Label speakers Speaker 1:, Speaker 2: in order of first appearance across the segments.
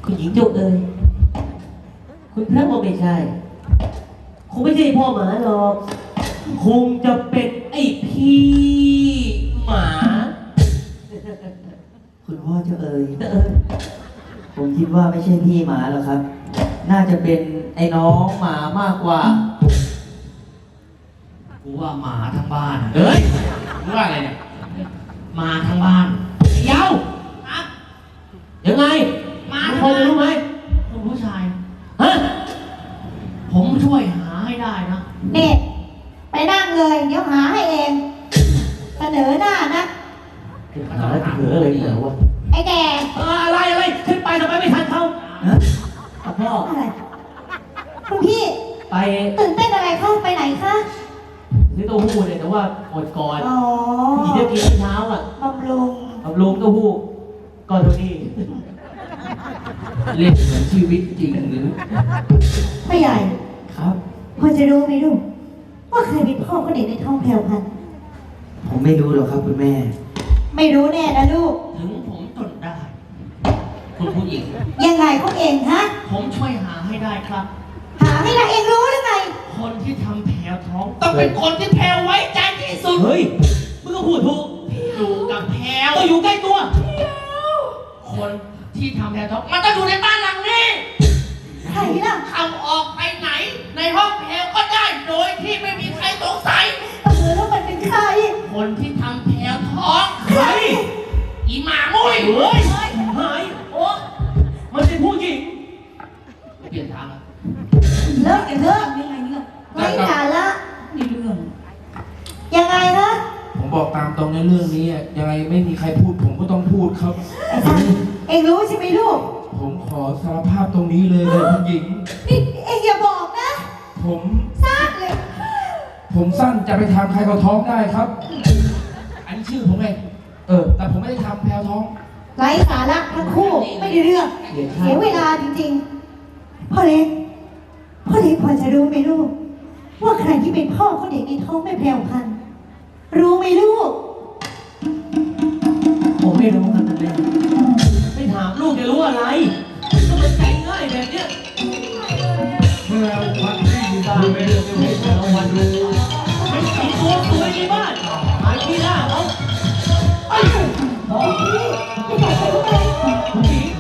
Speaker 1: คุณหญิงเจ้าเอ๋ยคุณพระก็ไม่ใช่คงไม่ใช่พ่อหมาหรอกคงจะเป็นไอ้พี่หมา
Speaker 2: คุณพ่อเจ้าเอ๋ยผมคิดว่าไม่ใช่พี่หมาหรอกครับ น่าจะเป็นไอ้น้องหมามากกว่า
Speaker 3: กูว่าหมาทั้งบ้าน
Speaker 1: เฮ้ยมึงว่าอะไรเนี่ย
Speaker 3: หมาทั้งบ้าน
Speaker 1: เย้า
Speaker 3: ครับ
Speaker 1: ยังไง
Speaker 3: หมา
Speaker 1: พอจะรู้ไหม
Speaker 3: คุณผู้ชาย
Speaker 1: ฮะ
Speaker 3: ผมช่วยหาให้ได้นะ
Speaker 4: นี่ไปนั่งเลยเดี๋ยวหาให้เอง เสนอหน้านะ
Speaker 1: หาเถืออะไรเหรอวะ
Speaker 4: ไอ้แก่
Speaker 1: อะไรขึ้นไปทำไมไม่ทันเขา
Speaker 2: ฮะ
Speaker 1: พ่อ
Speaker 4: อะไรคุณพี่
Speaker 1: ไป
Speaker 4: ตื่นเต้นอะไรเข้าไปไหนคะ
Speaker 1: ซื้อเต้าหู้เนี่ยแต่ว่าหมดก่อน
Speaker 4: อ๋อ
Speaker 1: พี่จะกินเช้าอ่ะ
Speaker 4: บำรุง
Speaker 1: บำรุงเต้าหู้ก็เท่านี้
Speaker 3: เล่นเหมือนชีวิตจริงหรือ
Speaker 4: พ่อใหญ่
Speaker 2: ครับ
Speaker 4: พอจะรู้ไหมลูกว่าใครเป็นพ่อของเด็กในท้องแพรวพันธุ์
Speaker 2: ผมไม่รู้หรอกครับคุณแม่
Speaker 4: ไม่รู้แน่นะลูก
Speaker 3: ถึงผมจนได้ คุณผู้หญิง
Speaker 4: ยังไงเขาเองฮะ
Speaker 3: ผมช่วยหาให้ได้ครับ
Speaker 4: หาให้เราเองรู้หรือไง
Speaker 3: คนที่ทำแผลท้อง ต้องเป็นคนที่แพลวไว้ใจที่สุด
Speaker 1: เฮ้ยมึงก็พูดถูก
Speaker 3: อยู่กับแพลว
Speaker 1: ก็อยู่ใกล้ตัว
Speaker 3: คนที่ทำแผลท้องมันต้องอยู่ในบ้านหลังนี้
Speaker 4: ใครล่ะ
Speaker 3: เข้าออกไปไหน ในห้องแพลวก็ได้โดยที่ไม่มีใครสงสัย
Speaker 4: แล้วมันเป็นใคร
Speaker 3: คนที่ทำแผลท้อง
Speaker 1: ใคร
Speaker 3: อีหมามุ้ย
Speaker 1: เฮ้ยหายโอ้มันเป็นผู้หญิง
Speaker 3: เปลี่ยนทางแล้ว
Speaker 4: เลิกกันเถอะไร้สาระ
Speaker 3: นี่เรื่อง
Speaker 4: ยังไงฮะ
Speaker 5: ผมบอกตามตรงในเรื่องนี้อะยังไงไม่มีใครพูด ผมก็ต้องพูดครับ
Speaker 4: ไอ้ท่านเองรู้ใช่ไหมลูก
Speaker 5: ผมขอสารภาพตรงนี้เลยคุณหญิง
Speaker 4: นี่เองอย่าบอกนะ
Speaker 5: ผม
Speaker 4: ซากเลย
Speaker 5: ผมสั้นจะไปทำใครก็ท้องได้ครับ อันนี้ชื่อผมเองแต่ผมไม่ได้ทำแพลวท้อง
Speaker 4: ไร้สาระทั้งคู่ไม่ได้เรื่อง เสียเวลาจริงๆ พ่อเล็กพอจะรู้ไหมลูก ว่าใครที่เป็นพ่อของเด็กในท้องแม่แพรวพันธุ์รู้ไหมลูก
Speaker 1: ผมไม่รู้ครับแม่ไม่ถามลูกจะรู้อะไรก็มันใจง่ายแบบเนี้ย
Speaker 5: เมื่อวันที่ดูไม่เรื่องไม่เรื่องวันรู้
Speaker 1: เป็นสีตัวสวยในบ้านหายที่หน้าเขาไอ้ผู้หญิง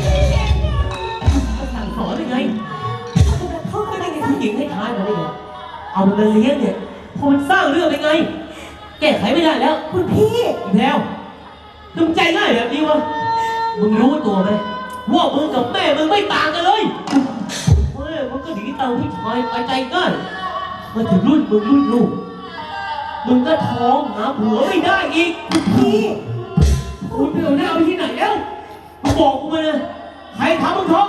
Speaker 1: สั่งสอนยังไงไม่ได้ผู้หญิงให้ท้ายมาได้ไงเอามันมาเลี้ยงเนี่ยพอมันสร้างเรื่องได้ไง แก้ไขไม่ได้แล้ว
Speaker 4: คุณพี่
Speaker 1: อีกแล้วมึงใจง่ายแบบนี้วะมึงรู้ตัวไหมว่ามึงกับแม่มึงไม่ต่างกันเลยแม่มึงก็หนีตามผู้ชายไปใจง่ายมาถึงรุ่นมึงรุ่นลูกมึงก็ท้องหาผัวไม่ได้อีก
Speaker 4: พี่
Speaker 1: คุณไปเอาหน้าไปที่ไหนแล้วมึงบอกกูมาเลยใครทำมึงท้อง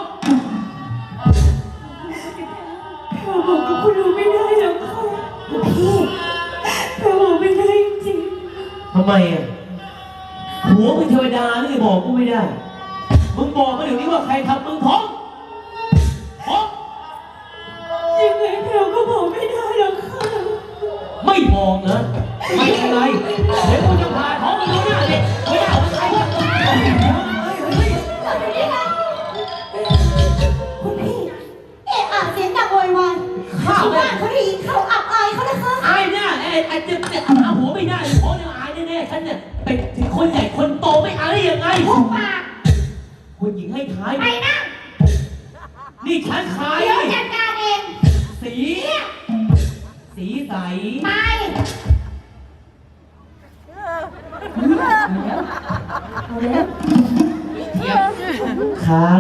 Speaker 4: เราบอกกับคุณรู้ไม่ได้หรอกค่ะคุณพี่เราบอกไม่ได้จริง
Speaker 1: ทำไมอ่ะผัวมึงเทวดานี่บอกกูไม่ได้มึงบอกมาเดี๋ยวนี้ว่าใครทำมึงท้องท้อง
Speaker 4: ยังไงเราก็บอกไม่ได้หรอกค่ะ
Speaker 1: ไม่บอกนะไม่ยังไงเดี๋ยวกูจะพาท้องมึงดูหน้าเลยไม่ได้เอาไปใครวะ
Speaker 4: คุณพี่เอะอะเสียงดังโวยวายข้าวบ้านเขาได้ยินเขาอับอายเขานะคะ
Speaker 1: อายหน้าไอ้จะหาหัวไม่ได้เพราะเนี่ยอายแน่ๆฉันเนี่ยเป็นถึงคนใหญ่คนโตไม่อายได้ยังไง
Speaker 4: หุบปาก
Speaker 1: คุณหญิงให้ท้าย
Speaker 4: ไปนั่ง
Speaker 1: นี่ฉันขาย
Speaker 4: เดี๋ยวจัดการเอง
Speaker 1: สีสีใส
Speaker 4: ไป
Speaker 3: เทียบ
Speaker 1: ครับ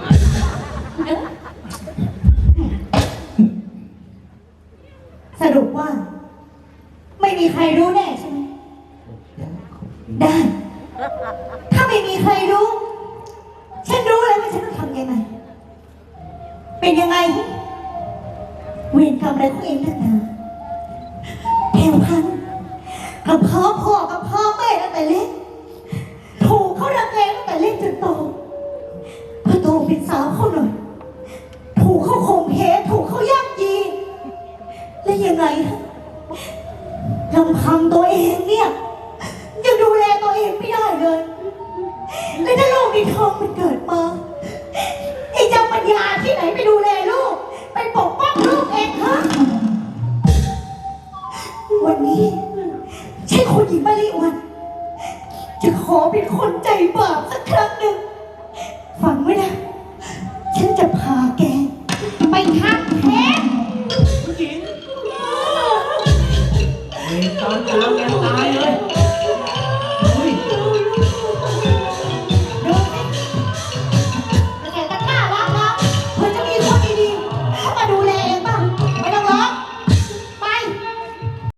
Speaker 4: สรุปว่า ไม่มีใครรู้แน่ใช่ไหมได้ ถ้าไม่มีใครรู้ ฉันรู้แล้วว่าฉันต้องทำยังไง เป็นยังไงเวรกรรมอะไรของเองนักหนาแถวพันกับพ่อกับพ่อแม่ตั้งแต่เล็กถูกเขารังแกตั้งแต่เล็กจนโตพอโตเป็นสาวเขาหน่อย ถูกเขาข่มเหงถูกเขาย่ำยี และยังไงฮะลำพังตัวเองเนี่ยยังดูแลตัวเองไม่ได้เลยและถ้าลูกในท้องมันเกิดมาญาที่ไหนไปดูแลลูก ไปปกป้องลูกเองฮะวันนี้ใช่คุณหญิงมาริวันจะขอเป็นคนใจบาปสักครั้งหนึ่ง